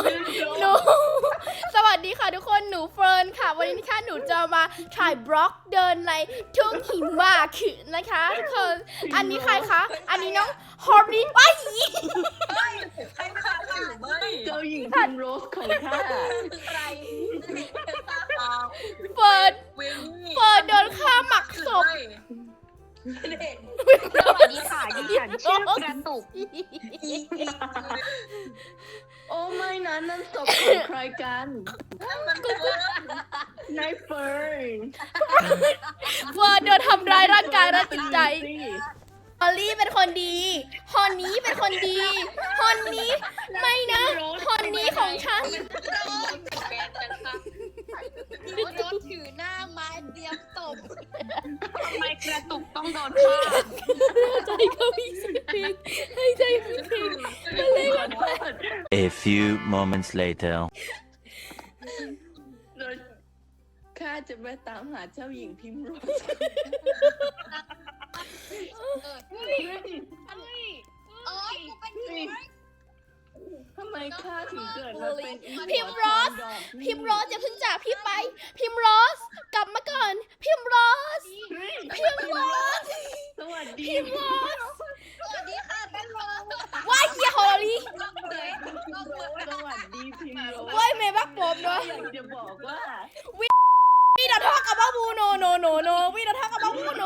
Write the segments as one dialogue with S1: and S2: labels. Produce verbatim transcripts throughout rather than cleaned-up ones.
S1: หนูสวัสดีค่ะทุกคนหนูเฟิร์นค่ะวันนี้นะคะหนูจะมาถ่ายบล็อกเดินในทุ่งหิมะคือนะคะทุกคนอันนี้ใครคะอันนี้น้องฮอร์รี่ว้าย
S2: ใครฆ่าหรือไม่
S3: เจ้าหญิงพิมโรสของข้า
S2: ใครตา
S1: เฟิร์น
S2: เวนี่
S1: เฟิร์นโดนฆ่าหมักศพ
S4: สวัสดีค่ะดิฉันชื่อกระตุก
S3: โอ้ไม่นะนั่นศพของใครกัน
S2: มันเฟิร์น
S3: นายเฟิร์น
S1: เฟิร์นโดนทำร้ายร่างกายและจิตใจฮอลลี่เป็นคนดีฮอนนี้เป็นคนดีฮอนนี้ไม่นะฮอนนี้ของฉัน
S2: แฟนกันค่ะ
S4: โดนถือหน้าไม้เตรียมตบทำไมกระตุกต้องโดนฆ่า
S1: ใจเขามีเสียงเพลงให้ใจมีเพลงมาเลย
S3: ขอโทษ
S5: A few moments later.
S3: เราข้าจะไปตามหาเจ้าหญิงพิมโรส
S4: เอ้ยกูเป็นผี
S3: ทำไมข้าถึงเกิดมาเป็นอี
S1: พิมโรสพิมโรสอย่าเพิ่งจากพี่ไป พิมโรสกลับมาก่อน พิมโรสพิมโรส
S3: สวัสดี
S1: พิมโรส
S4: สวัสดีค่ะเป็นโรส
S1: ว้ายเฮียฮอลลี่
S3: สวัสดีพิมโรส
S1: ว้ายเมย์บักโปมด้วย
S3: อยากจะบอกว่า
S1: วีดาทอกกับบ้าบูโนโนโนโนวีดาทอกกับบ้าบูโน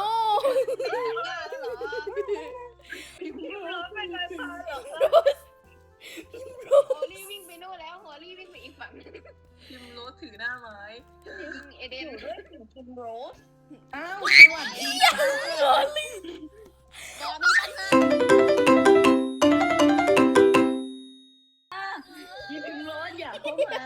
S3: พิมโรสเป็นไรพาเหรอ
S4: โฮลี่วิ่งไปนู่นแล้วโฮลี่วิ่งไปอีกฝั่ง
S2: พิมโรสถือหน้าไม้
S4: ยิงเอเดน
S3: ด้วยถึงพิมโรสอ้าวสวัสดี
S1: ฮอลลี่
S4: เดี๋ยวมีปัญหา
S3: พี่พิมโรสอยากเข้ามา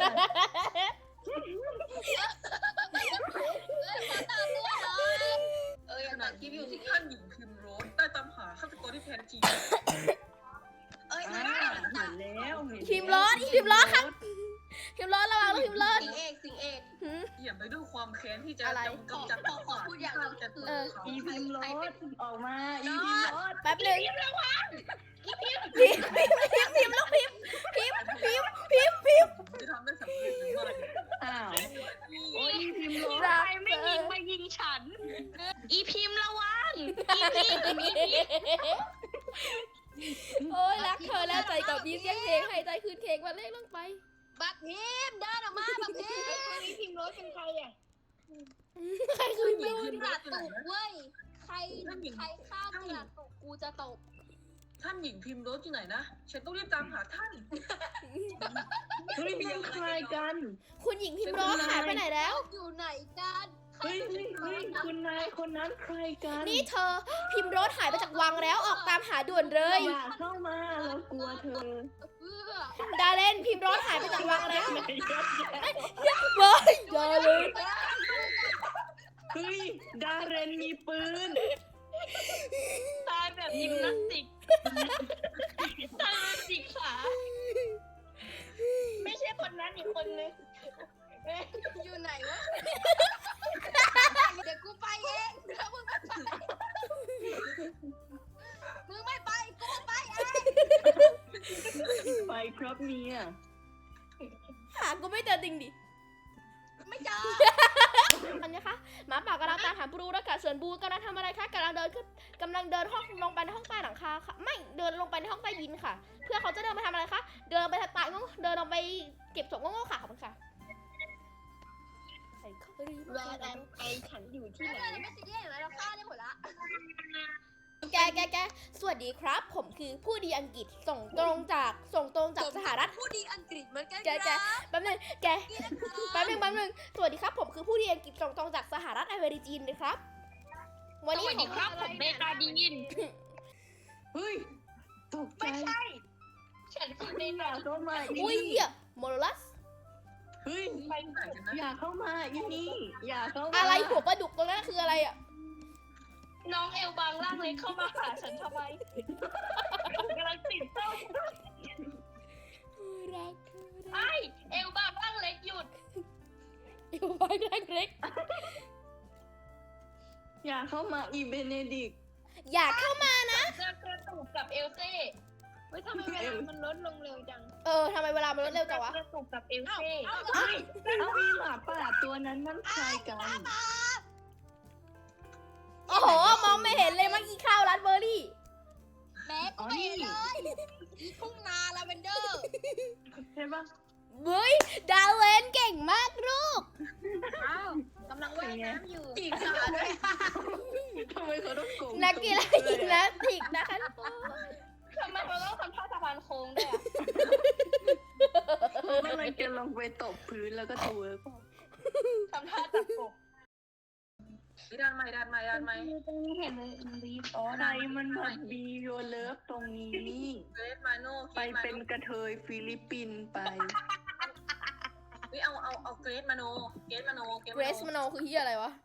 S2: เออขนาดที่อยู่ที่ท่านหญิงพิมโรสได้ตามหาฆาตกรที่แท้จริง
S4: เอ้ย
S3: อ่าเห็นแล้วเห็นแล้ว
S1: พิมโรสพิมโรสครับพิมโรสระวังนะพิมโรส
S4: สิงเอกสิงเอก
S1: หืม
S2: เหยียบไปด้วยความแค้นที่จะ
S1: อะไร
S2: กำจัดข้าจะเปิดเขา
S3: อีพิมโรสออกมาอีพิมโรส
S1: แป๊บหนึงพิมพิมพิมพิมพิมแล้วพิมพิมพิมพิมพิม
S2: จะทำได้สำเร็จหรือไม่
S3: อ้าวโอ้ยอีพิมโรส
S1: รัก
S4: ไม่ยิงมายิงฉัน อีพิมระวังอีพิมอีพิม
S1: โอ้ยรักเธอแล้วใจกับพี่เสียงเพลงให้ใจคืนเพลงมาเลขลงไป
S4: บักพิมเดินออกมาบักพิมอีพิมรถเป็นใครอ่ะ
S1: ใครคืนโดน
S4: กระตุกเว้ยใครใครฆ่ากระตุกกูจะตบ
S2: ท่านหญิงพิมโรสอยู่ไหนนะฉันต้องรีบตามหาท่าน
S3: เฮ้ยเป็นใครกัน
S1: คุณหญิงพิมพ์ร้อหายไปไหนแล้ว
S4: อยู่ไหนกัน
S3: เฮ้ยเฮ้ยเฮ้ยคุณนายคนนั้นใครกัน
S1: นี่เธอพิมพ์รถหายไปจากวังแล้วออกตามหาด่วนเลย
S3: อย่าเข้ามาเรากลัวเธอ
S4: เพื่อ
S1: ดาเลนพิมพ์รถหายไปจากวังแล้วว้ายดาเลน
S3: เฮ้ยดาเรนมีปืน
S4: ตายแบบยิมนาสติกตายแบบจิกขาไม่ใช่คนนั้นอีกคนนึงอยู่ไหนวะเดี๋ยวกูไปเองถ้ามึงไม่ไปมึงไม่ไปกูไปเอง
S3: ไปครับเมีย
S1: หากูไม่เจอจริงดิ
S4: ไม่เจอ
S1: อันนี้คะหมาป่ากำลังตามหาบรูและกะส่วนบรูกำลังทำอะไรคะกำลังเดินขึ้นกำลังเดินห้องลงไปในห้องใต้หลังคาค่ะไม่เดินลงไปในห้องใต้ดินค่ะ เพื่อเขาจะเดินไปทำอะไรคะเดินไปตายงงเดินลงไปเก็บศพงงๆค่ะขอบคุณค่ะใส่เข้าไปดี
S4: รอแดนไอฉันอยู่ที่ไหนไม่ซีเรียสเลยเราฆ่าได้หมดละ
S1: แกแกแกสวัสดีครับ ผมคือผู้ดีอังกฤษส่งตรงจากส่งตรงจากสหรัฐ
S4: ผู้ดีอังกฤษเหมือนกัน
S1: แกแกแป๊บนึงแกแป๊บนึงแป๊บนึงสวัสดีครับผมคือผู้ดีอังกฤษส่งตรงจากสหรัฐอเมริกานะครับวันนี้
S4: สวัสดีครับผมเบตาดีน
S3: เฮ้ยตกใจ
S4: ไม่ใช่ ฉันคือเบ
S3: อย่า
S4: ตา
S3: เข้ามาอี
S1: อุ้ย
S3: นี่
S1: เหี้ยโมโลลัส
S3: เฮ้ย
S2: ไปไหนกันนะ
S3: อย่าเข้ามาอีนี่อย่าเข้ามา
S1: อะไรหัวปลาดุกตรงนั้นคืออะไรอ่ะ
S4: น้องเอลบางร่างเล็กเข้ามาหาฉันทำไมกำลังติดเต้า
S1: รัก
S4: ไอเอลบางร่างเล็กหยุด
S1: อยู่บ้านรักเล็ก
S3: อย่าเข้ามาอีเบเนดิก
S1: อย่าเข้ามานะ
S4: เจอกระตุกกับเอลเซ่เฮ้ยทำไมเวลามันลดลงเร็วจัง
S1: เออทำไมเวลามันรวดเร็วจังวะ
S3: กระตุกกับเอล
S4: เอ้า
S3: เซ่
S4: เอ้า
S3: เฮ้ยเอามีหมาป่าตัวนั้นมันใครกัน
S1: โอ้โหมองไม่เห็นเลยเมื่อกี้ข้าวรัดเบอร์รี่
S4: แม็กไปเลยอีทุ่งนาลาเวนเดอร์
S3: ใช่ปะ
S1: เฮ้ยดาวเลนเก่งมากลูก
S4: อ้าวกำลังว่ายน้ำอยู่
S3: จีบขาด้วยทำไมเขาต้องโกง
S1: นักกีฬายิมนาสติกนะคะทุกคน
S4: ทำไมเขาต้องทำท่าสะพานโค้งด้วยอ่ะ
S3: เขากำลังจะลงไปตบพื้นแล้วก็ตัวเปล่า
S4: ทำท่าจับกบ
S2: ด้านใหม่ด้านใหม่ด้านใหม่
S3: ตรงนี้เห็นเลยรีบอ๋อใครมันมาบีโยเลิฟตรงนี้
S2: เกรซมาโน่
S3: ไปเป็นกระเทยฟิลิปปินส์ไป
S2: เฮ้ยเอาเอาเอาเกรซมาโนเกรซมาโน
S1: เกรซมโนคือเฮียอะไรวะ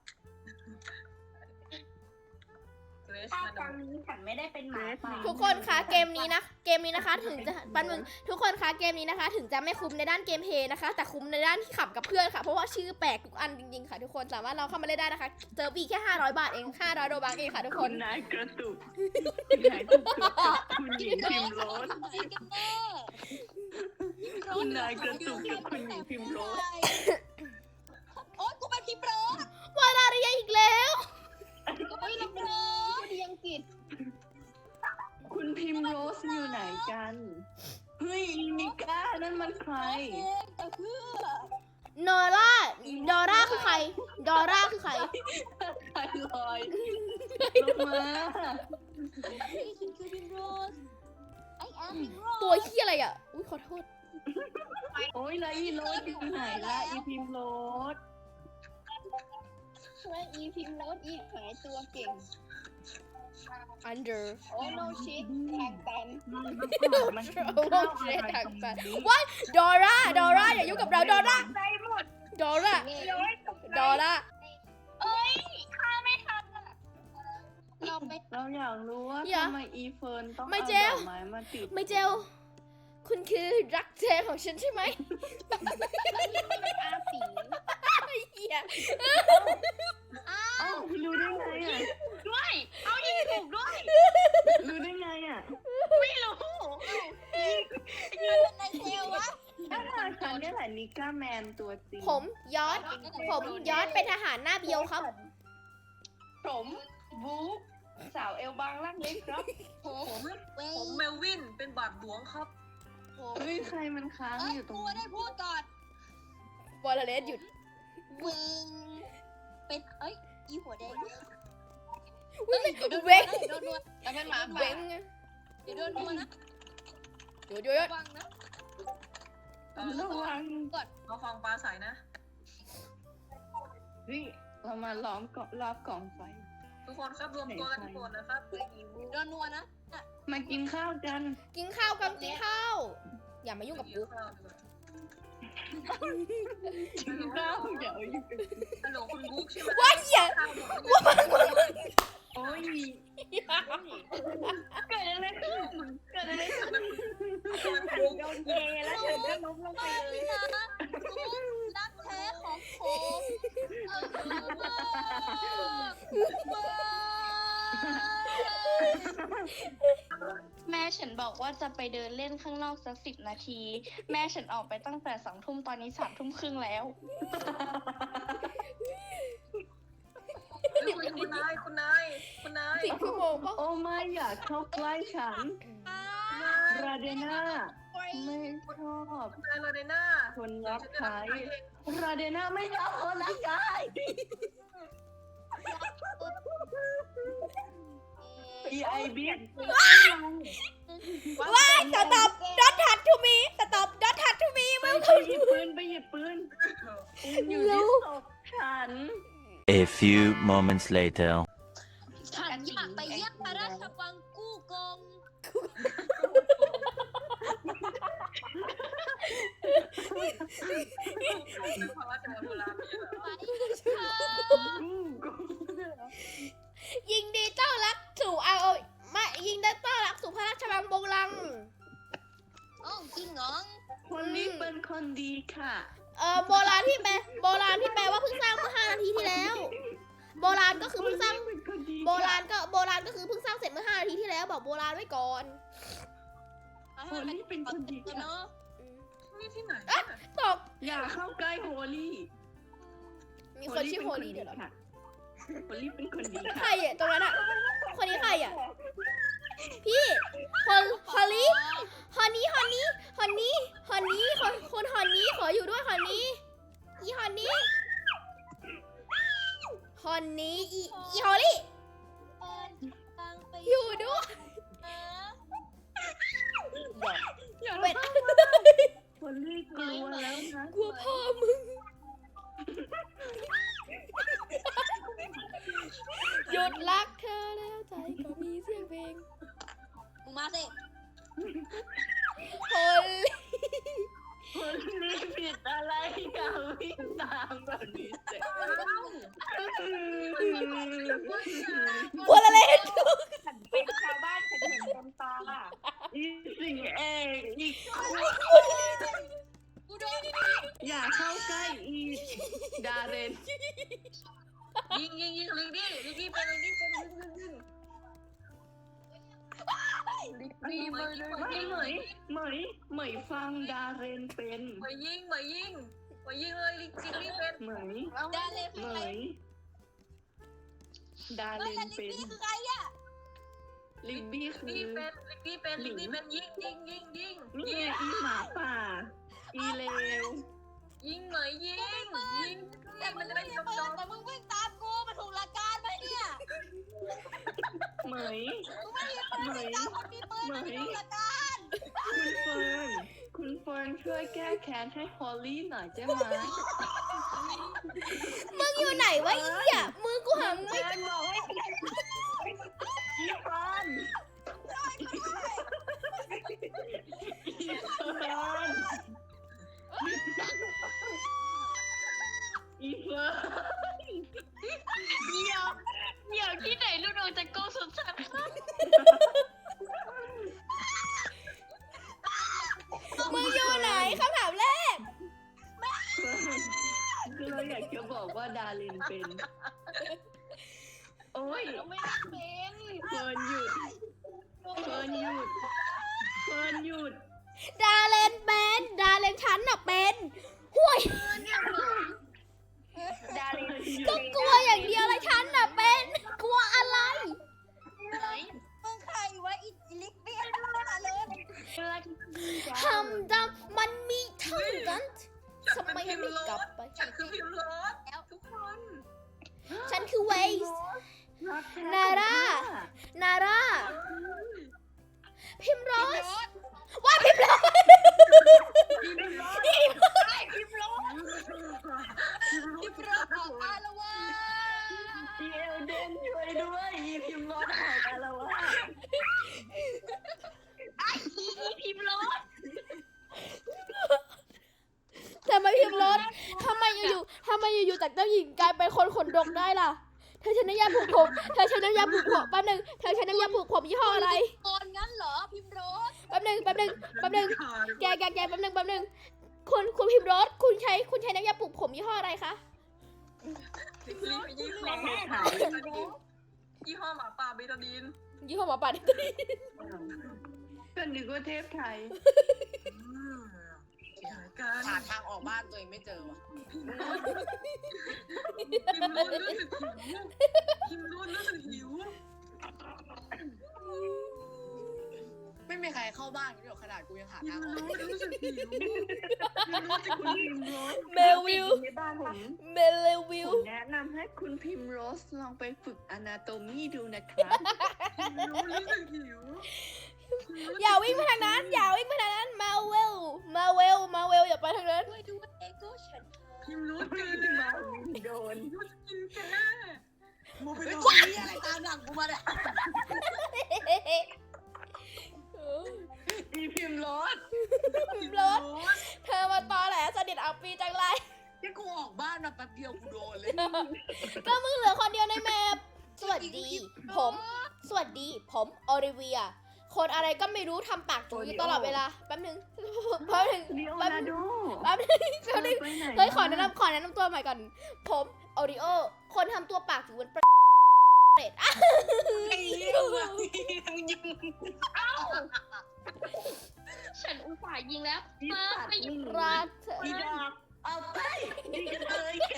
S2: เกรซ
S3: ถ้า
S2: มาโน
S3: ตอนนี้ฉันไม่ได้เป็นหมาป่า
S1: ทุกคนคะเกมนี้นะเกมนี้นะคะถึงจะปันมึงทุกคนคะเกมนี้นะคะ ถึงจะไม่คุ้มในด้านเกมเพลย์นะคะ แต่คุ้มในด้านที่ขับกับเพื่อนค่ะเพราะว่าชื่อแปลกทุกอันจริงๆค่ะทุกคนสามารถเราเข้ามาเล่นได้นะคะเจอปีแค่ห้าร้อยบาทเองห้าร้อยโดบักเองค่ะทุกค
S3: คุ
S1: น
S3: ณนายกระตุกคุณนายกระตุกกับคุณหญิงพิมโรส
S4: จริงกันแน่
S3: คุณนายกระตุกกับคุณหญิงพิมโรส
S4: โอ๊ยกูเป็นพิมโรส
S1: วานาเรียอีกแล้ว
S4: กูเป็นพิมโรสดีอังกฤษ
S3: คุณพิมโรสอยู่ไหนกัน เฮ้ยนิก้านั่นมันใคร
S4: เองแต่เพื่อ
S1: โนล่าดอร่าคือใครดอร่าคือใคร
S3: ใครลอยลงมา
S4: นี่ฉันคือพิมโรสไอแอมพิมโรส
S1: ตัวเฮียอะไรอ่ะอุ้ยขอโทษ
S3: โอ้ยแล้วอีโรสอยู่ไหนล่ะอีพิมโรส
S4: ช่วยอีพิมโรสอีกหายตัวเก่ง
S1: under
S4: โอ้โนชิตแทงกัน
S3: มันเข้าอะไรตรงนี้
S1: ดอร่าดอร่าอย่ายุ่งกับเราดอร่า
S3: ใจหมด
S1: ดอร่าดอร่า
S4: เอ้ยฆ่าไม่ทันอ่ะเราไป
S3: เราอยากรู้ว่าทำไมอีเฟิร์นต้อง
S1: ไม่
S3: เอา
S1: เจ
S3: ด
S1: ล
S3: อกไม้มาติด
S1: ไม่เจลคุณคือรักเจของฉันใช่ไหม
S4: อาสี
S1: เฮีย
S4: อ้า
S3: เอ้าว รู้ได้ไงอ่ะ
S4: ด้วยเอายิงถูกด้วย
S3: รู้ได้ไงอ่ะ
S4: ไม่รู้มันเป็นในเซลวะ
S3: ถ้าทางฉันเนี่ยแหละนิก้าแมนตัวจริง
S1: ผมยอดผมยอดเป็นทหารหน้าเบียวครับ
S3: ผมบู๊สาวเอลบางล่างเล็กครับ
S4: ผม
S2: ผม
S4: เว้
S2: ผมเมลวินเป็นบาทหลวงครับ
S4: ผม
S3: เฮ้ยใครมันค้าง
S4: เอ้ย
S3: อยู่ตรง
S4: กู
S3: นี้
S4: ได้พูดก่อน
S1: บอลเลสหยุด
S4: เวงเป็นเอ้ยอีหัวแดง
S1: เว้ย
S4: เดี๋ยวโดน
S1: เว้ง
S4: โดนนวดแต่เป็นหมา
S1: เว้ง
S4: เดี๋ยวโดนนวดนะ
S1: เดี๋ยวเดี๋ยว
S4: ระวังนะ
S2: เออ
S3: ระวัง
S2: มาฟังปลาใสนะ
S3: เฮ้ยเรามาล้อมเกาะรอบกล่องไฟ
S2: ทุกคนครับรวมตัวกันทุกคนนะครับ
S4: โดนนวดนะ
S3: มากินข้าวกัน
S1: กินข้าวกันกินข้าวอย่ามายุ่งกับกู
S3: กินข้าวเดี๋ยวอยู่กัน
S2: ฮัลโหลคุณบุ๊กใช่ไหม
S1: ว่าเหี้ย
S2: ข้าวหมด
S3: โอ้ยเกิดอะไรขึ้นเกิดอะไรขึ้น
S2: โดน
S3: เยแล้วฉันก็ล้มลงไป
S4: ไม่
S3: เลย
S4: นะรู้รักแท้ของผมเออว้าวแม่ฉันบอกว่าจะไปเดินเล่นข้างนอกสักสิบนาที แม่ฉันออกไปตั้งแต่สองทุ่มตอนนี้สามทุ่มครึ่งแล้ว
S2: คุณนายคุณนายคุณนาย
S1: สิบชั่วโมงปะ
S3: โอ้ไม่อยากเข้าใกล้ฉัน ราเดน่าไม่ชอบ
S2: คุณนายโรเดน่า
S3: คนรับใช้ราเดน่าไม่ชอบคนรับใช้ อีไอบี
S1: ว้ายสต็อปดอททัดทูมีสต็อปดอททัดทูมี
S3: ไป
S1: มึง
S3: ไปหยิบปืนไปหยิบปืนอยู่ที่ศพฉัน
S5: A few moments later.
S4: ฉันอยากไปเยี่ยมพระราชวังกู้กง
S2: เพราะว่าจะโบราณเนี่ย
S4: ไปค่ะ
S1: ยิงดีต้อนรับสู่เอาไม่ยิงได้ต้อนรับสู่พระราชวังโบราณ
S4: อ๋อจริงเหรอ
S3: คนนี้เป็นคนดีค่ะ
S1: เออโบราณที่แปลโบราณที่แปลว่าเพิ่งสร้างเมื่อห้านาทีที่แล้ว โบราณก็คือเพิ่งสร้าง
S3: เป็นคนดี
S1: โบราณก็โบราณก็คือเพิ่งสร้างเสร็จเมื่อห้านาทีที่แล้วบอกโบราณไว้ก่อน
S3: โฮลี่เป็นคนดีค่ะ
S4: เนาะ
S1: อืม
S2: นี่ที่ไหน
S1: ตก
S3: อย่าเข้าใกล้โฮลี่
S1: มีคนชื่อโฮลี่เดี๋ยวเหรอ
S3: ค่ะโฮลี่เป็นคนดี
S1: ใคร
S3: ค่ะ
S1: อ่ะตรงนั้นอ่ะ คนนี้ใครอ่ะ พี่ฮอลฮอลลี่ฮอนนี่ฮอนนี่ฮอนนี่ฮอนนี่คนคนฮอนนี่ขออยู่ด้วยฮอนนี่อีฮอนนี่ฮอนนี่อีอีฮอลลี่
S4: เปิดตังไป
S1: อยู่ด้วย
S4: นะ
S3: อย่า
S1: เป็ด
S3: โฮลี่กลัวแล้วนะ
S1: กลัวพ่อมึง หยุดรักเธอแล้วใจก็มีเสียงเพลง
S4: มึงมาสิ
S1: ฮอลลี่
S3: โฮลี่ผิดอะไรอย่าวิ่งตามแบบนี้เจ๊
S1: บัวละเล่น
S3: เป็นชาวบ้านฉันเห็นเต็มตาอีสิ่งเองอีก
S4: กูโดน
S3: อย่าเข้าใกล้อีดาเรน
S2: ยิงยิงยิงลิงดี้ลิงดี้เป็นลิงดี้เป็นลิงดี้เป็นลิงดี้เหมย
S3: ไม่เหมยเหมยเหมยฟังดาเรนเป็น
S2: เหมยยิงเหมยยิงเหมยยิงเลยลิงดี้เป็น
S3: เหมย
S4: ดาเลน
S3: เหมยดา
S4: เฮ้
S3: เร
S4: ย
S3: น
S4: ลิ
S3: เป็น
S4: นี่คือใครอ่ะ
S3: ลิงบี้คือ
S2: ลิงดี้เป็นลิงดี้เป็นลิงดี้เป็นยิงยิงยิงยิง
S3: นี่
S2: ยิง
S3: อีหมาป่า อีเลว
S2: ยิงเหมยยิงยิง
S4: แต่มึ
S2: มัน
S4: ง
S2: จะ
S4: ไม่
S2: เป็น
S4: ได้
S2: จบ
S4: เปิ
S2: จ
S4: ด
S2: บ
S4: แต่มึงวิ่งตามกูมาถูกหลักการไหมเนี่ย
S3: เหมย
S4: มึงไม่ได้เปิดวิ่งตามคนมีปืนมาถูกหลักการ
S3: คุณเฟิร์น คุณเฟิร์นช่วยแก้แค้นให้ฮอลลี่หน่อยได้ไหม
S1: มึงอยู่ไหนวะอีอ่ะมือกูหามึงไม่
S3: เฟิร์นบอกให้อีเฟิร์นอีเฟิร์นอีเฟิร์น
S4: เดี๋ยวเดี๋ยวที่ไหนลูกโดนจะโกสุดสัตว์
S1: มึงอยู่ไหนคำถามแรก
S3: คือเราอยากจะบอกว่าดารินเป็น โอ้ย
S4: ไม่ได้เป็น
S3: เฟิร์นหยุด เฟิร์นหยุด เฟิร์นหยุด
S1: ดาเลนเป็นดาเลนฉันน่ะเป็นห่วย
S3: ดารินหยุ
S1: ก็
S3: ด
S1: กลัวอย่างเดียวเลยฉันน่ะเป็นกลัวอะไร
S4: ไหนมึงใครวะอีลิกเบี้ยมาเลย
S1: ทำดำมันมีเท่านั้นทำไมไม่กลับไป
S2: ฉันคือพิมพ์รถทุกคน
S1: ฉันคือเวส
S3: รักแท้
S1: นาร่า นาร่า พิมพ์โรสว่าพิมพ์โรส
S3: พิมพ์รถ
S4: พิมพ์รถพิมพ์รถออกมาแล้ววะ
S3: อีเอลเดนช่วยด้วยอีพิมพ์รถออกมาแล้วว่า
S4: ไอ้อีอีพิมพ์รถ
S1: ทำไมพิมพ์โรสทำไมอยู่ๆทำไมอยู่ๆจากเจ้าหญิงกลายเป็นคนขนดกได้ล่ะ เธอใช้น้ำยาผูกผม เธอใช้น้ำยาผูกผมแป๊บนึง เธอใช้น้ำยาผูกผมยี่ห้ออะไร
S4: ตอนงั้นเหรอพิมพ์รถ
S1: แป๊บนึงแป๊บนึงแป๊บนึง แกแกแกแป๊บนึงแป๊บนึง คุณคุณพิมพ์โรสคุณใช้คุณใช้น้ำยาปลุกผมยี่ห้ออะไรคะ
S2: รีบยี่ห้อหมาป่าเบตาดีนยี่ห้อหมาป่าเบตาดีน
S1: ยี่ห้อหมาป่า
S3: ก็นึกว่าเทพไทย
S2: เกี่ยวกัน
S6: หาทางออกบ้านตัวเองไม่เจอว่ะ
S2: พิมพ์รุ่นรู้สึกหิวพิมพ์รุ่นรู้สึกหิว
S6: ไม่มีใครเข้าบ้านกูเดี๋ยวขนาดกูยังหา
S2: พิ
S6: ทาง
S2: ม
S6: อ
S2: พ์
S6: อก
S2: รุ่นรู้สึกหิวพิมพ์รุ่นจะ
S3: คุณพิมพ์โรส
S1: เมลวิล
S3: ในบ้านผม
S1: เมลวิล
S3: ผมแนะนำให้คุณพิมพ์โรสลองไปฝึกอนาโตมีดูนะครับ
S2: พิมพ์รุ่นรู้สึกหิว
S1: อย่าวิ่งไปทางนั้น อย่าวิ่งไปทางนั้น มาเวล มาเวล มาเวลอย่าไปทางนั้น
S4: ด้วยดูว่าเอโก้ฉัน
S2: พิมพ์รุ่นเกิน
S3: มา
S2: แล้ว
S3: โดน
S2: รู้จะกินแกโมไป
S6: เฮ้ย
S2: โด
S6: กู
S2: น
S6: มีอะไรตามหลังกูมาเนี่ย
S3: อีพิมพ์โรส
S1: พิมพ์โรสเธอมาตอแหลสนิทอัปปีจังไร
S6: ที่กูออกบ้านมาแป๊บเดียวกูโดนเลย
S1: ก็มึงเหลือคนเดียวในแมปสวัสดี ผม สวัสดี ผมออริเวีย คนอะไรก็ไม่รู้ทำปากจูอยู่ตลอดเวลา แป๊บนึง แป๊บนึง
S3: ลีโอ
S1: แป๊บ
S3: นา
S1: นึ
S3: โด
S1: งแป๊บนึงแป๊บนึง
S3: ไปไหน
S1: เฮ้ยขอแนะนำขอแนะนำตัวใหม่ก่อน ผมออริโอ คนทำตัวปากจูเป็นประเด็ดอ่ะ
S6: ไอ้เหี้ยมึงยัง
S4: ฉันอุตส่าห์ยิงแล้ว
S3: อี
S4: มา
S3: สัตว์
S4: ไปหยิบ
S3: นี่
S1: ราเธอ
S3: อีดอกเอาไปนี่กันเลยแก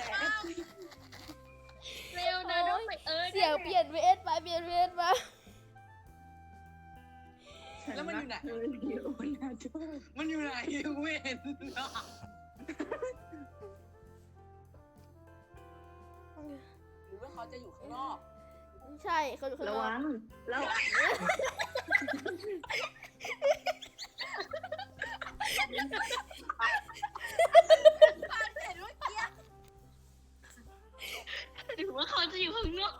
S4: เร็วนะน้องไปเออ
S1: เสียงเปลี่ยนเวสมาเปลี่ยนเวสมา
S6: แล้วมันอยู่ไหน
S3: เธอเดียวนะเธอ
S6: มันอยู่ไหนเว้นหรือว่าเขาจะอยู่ข้างนอก
S1: ใช่เขาอยู่ข้าง
S3: ระ
S1: นอ
S3: วั
S1: ก
S3: งระวัง
S4: หรือว่าเขาจะอยู่ข้างนอก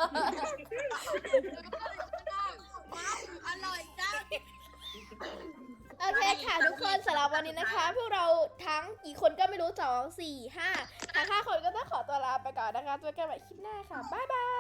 S6: อร่อยจัง
S1: โอเคค่ะทุกคนสำหรับวันนี้นะคะ พวกเราทั้งกี่คนก็ไม่รู้สองสี่ห้าทั้งห้าคนก็ต้องขอตัวลาไปก่อนนะคะเจอกันใหม่คลิปหน้าค่ะ บ๊ายบาย